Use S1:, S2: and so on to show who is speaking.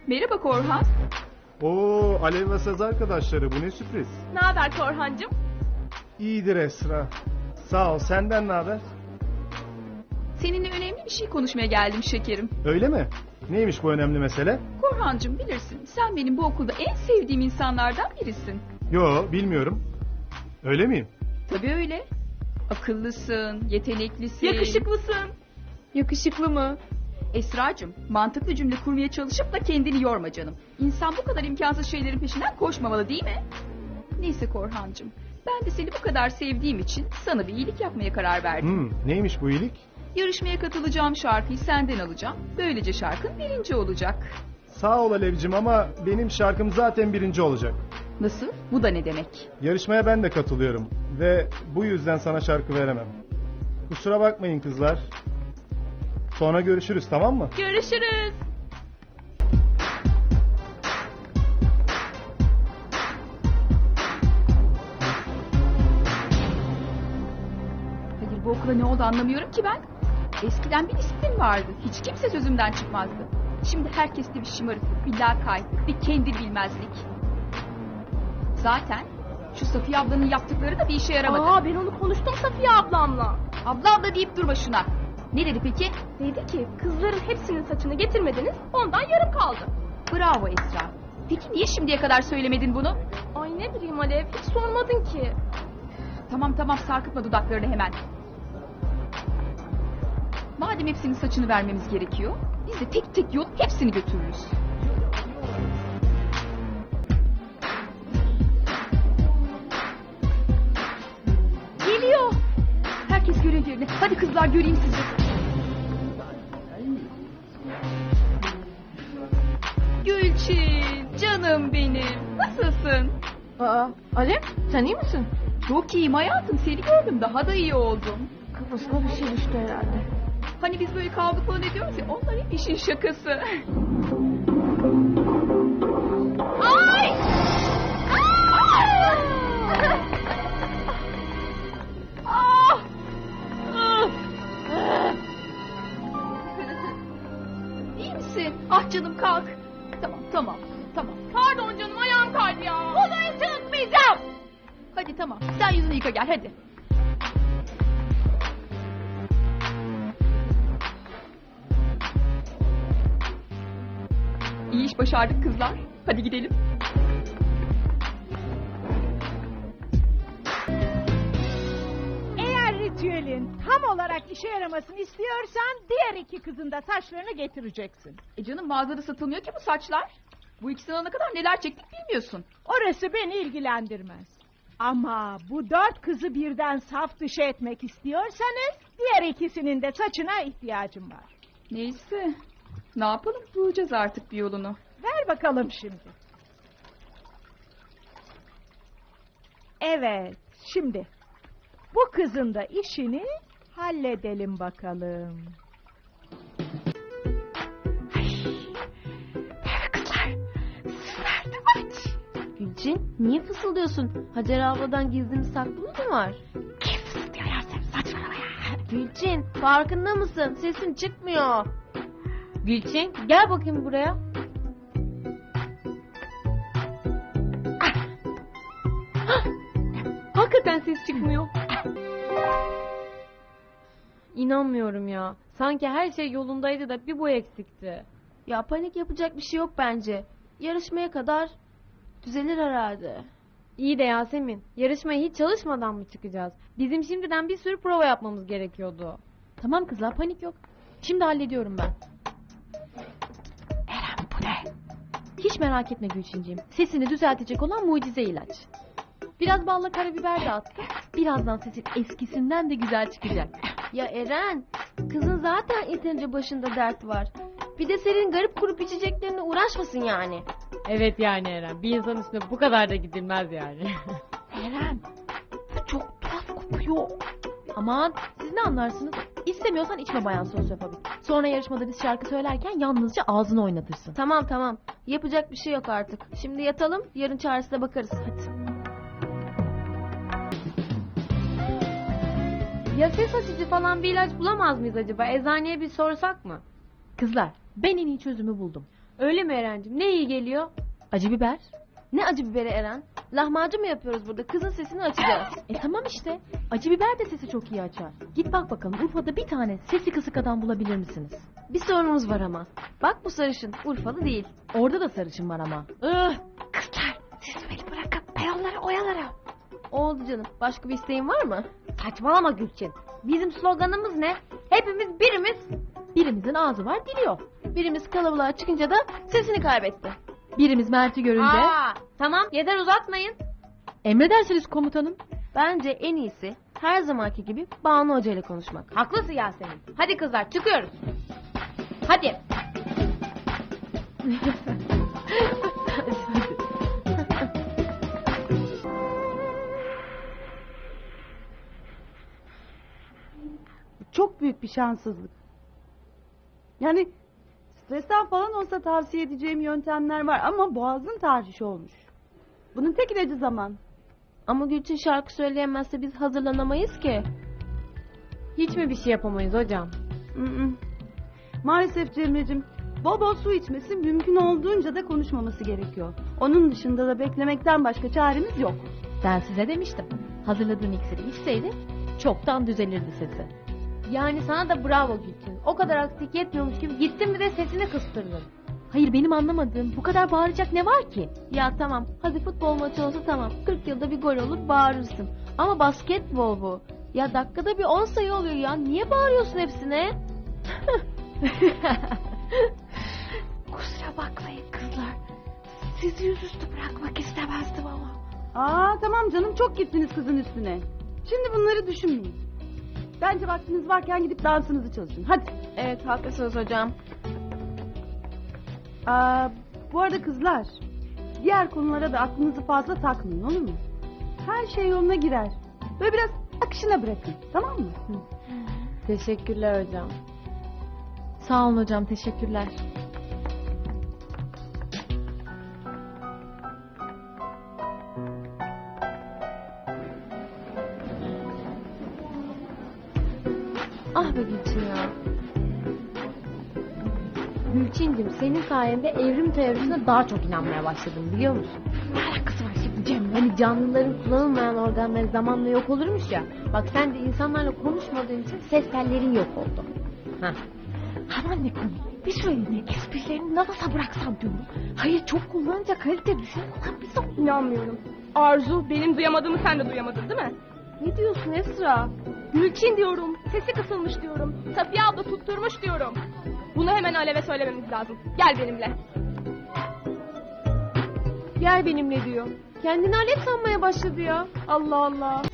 S1: Merhaba Korhan.
S2: Oo, Alev ve Saz arkadaşları, bu ne sürpriz.
S3: Ne haber Korhancığım?
S2: İyidir Esra. Sağ ol, senden ne haber?
S1: Seninle önemli bir şey konuşmaya geldim şekerim.
S2: Öyle mi? Neymiş bu önemli mesele?
S1: Korhancığım bilirsin sen benim bu okulda en sevdiğim insanlardan birisin.
S2: Yo, bilmiyorum. Öyle miyim?
S1: Tabii öyle. Akıllısın, yeteneklisin.
S3: Yakışıklısın.
S1: Yakışıklı mı? Esracığım, mantıklı cümle kurmaya çalışıp da kendini yorma canım. İnsan bu kadar imkansız şeylerin peşinden koşmamalı değil mi? Neyse Korhancığım, ben de seni bu kadar sevdiğim için sana bir iyilik yapmaya karar verdim.
S2: Neymiş bu iyilik?
S1: Yarışmaya katılacağım şarkıyı senden alacağım. Böylece şarkın birinci olacak.
S2: Sağ ol Alevcim ama benim şarkım zaten birinci olacak.
S1: Nasıl? Bu da ne demek?
S2: Yarışmaya ben de katılıyorum ve bu yüzden sana şarkı veremem. Kusura bakmayın kızlar. Sonra görüşürüz, tamam mı?
S3: Görüşürüz.
S1: Hayır bu okula ne oldu anlamıyorum ki ben. Eskiden bir disiplin vardı. Hiç kimse sözümden çıkmazdı. Şimdi herkeste bir şımarıklık, bir lakaytlık, bir kendi bilmezlik. Zaten şu Safiye ablanın yaptıkları da bir işe yaramadı.
S3: Ben onu konuştum Safiye ablamla.
S1: Abla abla deyip durma şuna. Ne dedi peki?
S3: Dedi ki kızların hepsinin saçını getirmediniz ondan yarım kaldı.
S1: Bravo Esra. Peki niye şimdiye kadar söylemedin bunu?
S3: Ay ne bileyim Alev hiç sormadın ki.
S1: Tamam sarkıtma dudaklarını hemen. Madem hepsinin saçını vermemiz gerekiyor, biz de tek tek yolup hepsini götürürüz. Geliyor. Herkes görev yerine. Hadi kızlar göreyim sizi. Gülçin, canım benim. Nasılsın?
S3: Alev sen iyi misin?
S1: Çok iyiyim hayatım. Seni gördüm. Daha da iyi oldum.
S3: Kafasına bir şey düştü herhalde.
S1: Hani biz böyle kavga falan ediyoruz ya. Onlar hep işin şakası. Ay! Ah! İyi misin? Ah canım kalk. Tamam.
S3: Pardon canım ayağım kaydı ya.
S1: Odaya çıkmayacağım. Hadi tamam. Sen yüzünü yıka gel hadi. İyi iş başardık kızlar. Hadi gidelim.
S4: Eğer ritüelin tam olarak işe yaramasını istiyorsan diğer iki kızın da saçlarını getireceksin.
S1: Canım mağazada satılmıyor ki bu saçlar. Bu ikisini alana kadar neler çektik bilmiyorsun.
S4: Orası beni ilgilendirmez. Ama bu 4 kızı birden saf dışı etmek istiyorsanız diğer ikisinin de saçına ihtiyacım var.
S1: Neyse. Ne yapalım? Bulacağız artık bir yolunu.
S4: Ver bakalım şimdi. Evet, şimdi bu kızın da işini halledelim bakalım.
S5: Gülçin niye fısıldıyorsun? Hacer abladan gizli saklı mı var?
S4: Kim fısıldıyor ya sen saçmalama ya.
S5: Gülçin farkında mısın? Sesin çıkmıyor. Gülçin gel bakayım buraya. Hakikaten ses çıkmıyor. İnanmıyorum ya. Sanki her şey yolundaydı da bir bu eksikti. Ya panik yapacak bir şey yok bence. Yarışmaya kadar düzelir herhalde. İyi de Yasemin, yarışmaya hiç çalışmadan mı çıkacağız? Bizim şimdiden bir sürü prova yapmamız gerekiyordu. Tamam kızlar, panik yok. Şimdi hallediyorum ben. Eren bu ne? Hiç merak etme Gülçinciğim. Sesini düzeltecek olan mucize ilaç. Biraz balla karabiber de attım. Birazdan sesin eskisinden de güzel çıkacak. Ya Eren, kızın zaten yeterince başında dert var. Bir de senin garip grup içeceklerine uğraşmasın yani. Evet yani Eren. Bir insan üstüne bu kadar da gidilmez yani. Eren, bu çok tuhaf kokuyor. Aman siz ne anlarsınız? İstemiyorsan içme bayan sosyofobik. Sonra yarışmada biz şarkı söylerken yalnızca ağzını oynatırsın. Tamam. Yapacak bir şey yok artık. Şimdi yatalım, yarın çaresine bakarız. Hadi. Ya ses açıcı falan bir ilaç bulamaz mıyız acaba? Eczaneye bir sorsak mı? Kızlar, ben en iyi çözümü buldum. Öyle mi Eren'cim? Ne iyi geliyor? Acı biber. Ne acı biberi Eren? Lahmacun mu yapıyoruz burada? Kızın sesini açacağız. Tamam işte. Acı biber de sesi çok iyi açar. Git bak bakalım Urfa'da bir tane sesi kısık adam bulabilir misiniz? Bir sorunumuz var ama. Bak bu sarışın Urfalı değil. Orada da sarışın var ama. Kızlar siz beni bırakın. Ben onları oyalarım. Oldu canım. Başka bir isteğin var mı? Saçmalama Gülçin. Bizim sloganımız ne? Hepimiz birimiz. Birimizin ağzı var dili yok. Birimiz kalabalığa çıkınca da sesini kaybetti. Birimiz Mert'i görünce... Tamam yeter uzatmayın. Emredersiniz komutanım. Bence en iyisi her zamanki gibi Banu Hoca ile konuşmak. Haklısın Yasemin. Hadi kızlar çıkıyoruz. Hadi.
S6: Çok büyük bir şanssızlık. Yani stresten falan olsa tavsiye edeceğim yöntemler var ama boğazın tahrişi olmuş. Bunun tek ilacı zaman.
S5: Ama Gülçin şarkı söyleyemezse biz hazırlanamayız ki. Hiç mi bir şey yapamayız hocam?
S6: Maalesef Cemre'cim, bol bol su içmesi, mümkün olduğunca da konuşmaması gerekiyor. Onun dışında da beklemekten başka çaremiz yok.
S5: Ben size demiştim. Hazırladığın iksiri içseydi çoktan düzelirdi sesi. Yani sana da bravo Gülçin. O kadar aksilik yetmiyormuş gibi gittin bir de sesini kıstırdın. Hayır benim anlamadığım bu kadar bağıracak ne var ki? Ya tamam hadi futbol maçı olsa tamam 40 yılda bir gol olur bağırırsın. Ama basketbol bu. Ya dakikada bir 10 sayı oluyor ya. Niye bağırıyorsun hepsine? Kusura bakmayın kızlar. Sizi yüzüstü bırakmak istemezdim ama.
S6: Tamam canım, çok gittiniz kızın üstüne. Şimdi bunları düşünmeyin. Bence vaktiniz varken gidip dansınızı çalışın. Hadi.
S5: Evet haklısınız hocam.
S6: Bu arada kızlar, diğer konulara da aklınızı fazla takmayın, olur mu? Her şey yoluna girer. Böyle biraz akışına bırakın, tamam mı?
S5: Teşekkürler hocam. Sağ olun hocam teşekkürler. Ah be Gülçin ya. Gülçin'cim senin sayende evrim teorisine daha çok inanmaya başladım biliyor musun? Ne alakası var şimdi Cem? Hani canlıların kullanılmayan organları zamanla yok olurmuş ya. Bak sen de insanlarla konuşmadığın için ses tellerin yok oldu. Heh. Aman ne komik. Bir süreliğine esprilerini nabasa bıraksam diyorum. Hayır çok kullanınca kalite düşüyor. Ulan biz de...
S3: İnanmıyorum. Arzu, benim duyamadığımı sen de duyamadın değil mi?
S5: Ne diyorsun Esra?
S3: Gülçin diyorum. Sesi kısılmış diyorum. Safiye abla tutturmuş diyorum. Bunu hemen Alev'e söylememiz lazım. Gel benimle.
S5: Gel benimle diyor. Kendini Alev sanmaya başladı ya. Allah Allah.